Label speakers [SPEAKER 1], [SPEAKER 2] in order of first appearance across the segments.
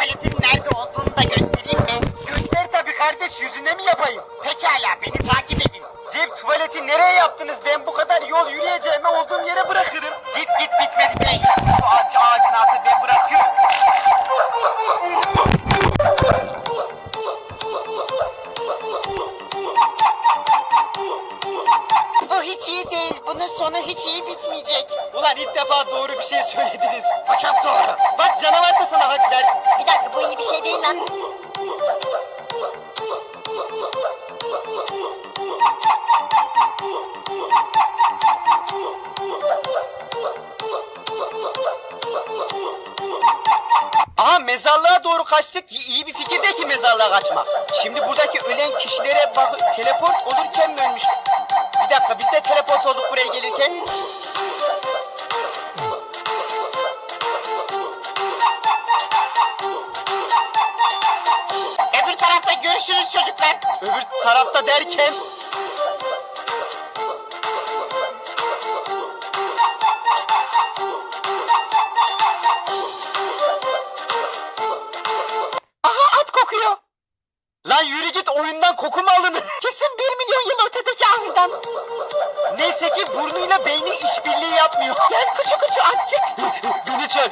[SPEAKER 1] tuvaletin nerede olduğunu da göstereyim mi?
[SPEAKER 2] Göster tabii kardeş, yüzüne mi yapayım?
[SPEAKER 1] Pekala, beni takip edin.
[SPEAKER 2] Jeff, tuvaleti nereye yaptınız? Ben bu kadar yol yürüyeceğime olduğum yere bırakırım.
[SPEAKER 1] Git bitmedi be. Şu ağacın altına ben bırakıyorum. Bu hiç iyi değil. Bunun sonu hiç iyi bitmeyecek.
[SPEAKER 2] Ulan ilk defa doğru bir şey söylediniz.
[SPEAKER 1] Bu çok doğru.
[SPEAKER 2] Bak canavar da sana hak ver.
[SPEAKER 3] Bir dakika, bu iyi bir şey değil lan.
[SPEAKER 2] Aha, mezarlığa doğru kaçtık. İyi bir fikir değil ki mezarlığa kaçmak. Şimdi buradaki ölen kişilere bak, teleport olurken mi ölmüş? Bir dakika, biz de teleport olduk buraya gelirken.
[SPEAKER 1] Öbür tarafta görüşürüz çocuklar.
[SPEAKER 2] Öbür tarafta derken... Aha, at kokuyor. Lan yürü git, oyundan koku mu alınır?
[SPEAKER 1] Kesin 1 milyon yıl ötedeki ahırdan.
[SPEAKER 2] Neyse ki burnuyla beyni işbirliği yapmıyor.
[SPEAKER 1] Gel kuçu kuçu atçık.
[SPEAKER 2] Beni çağır.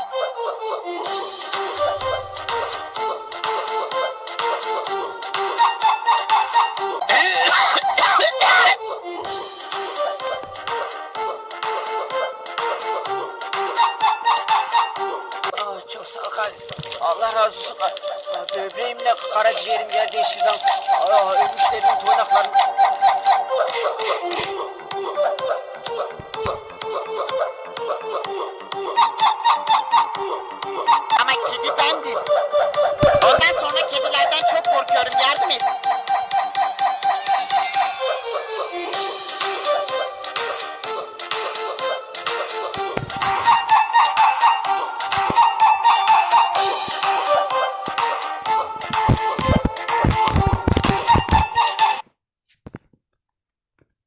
[SPEAKER 1] Çok sağ ol kardeşim. Allah razı olsun. Böbreğimle karaciğerim yerde yaşayacağım. Ölmüşlerin toynaklarını.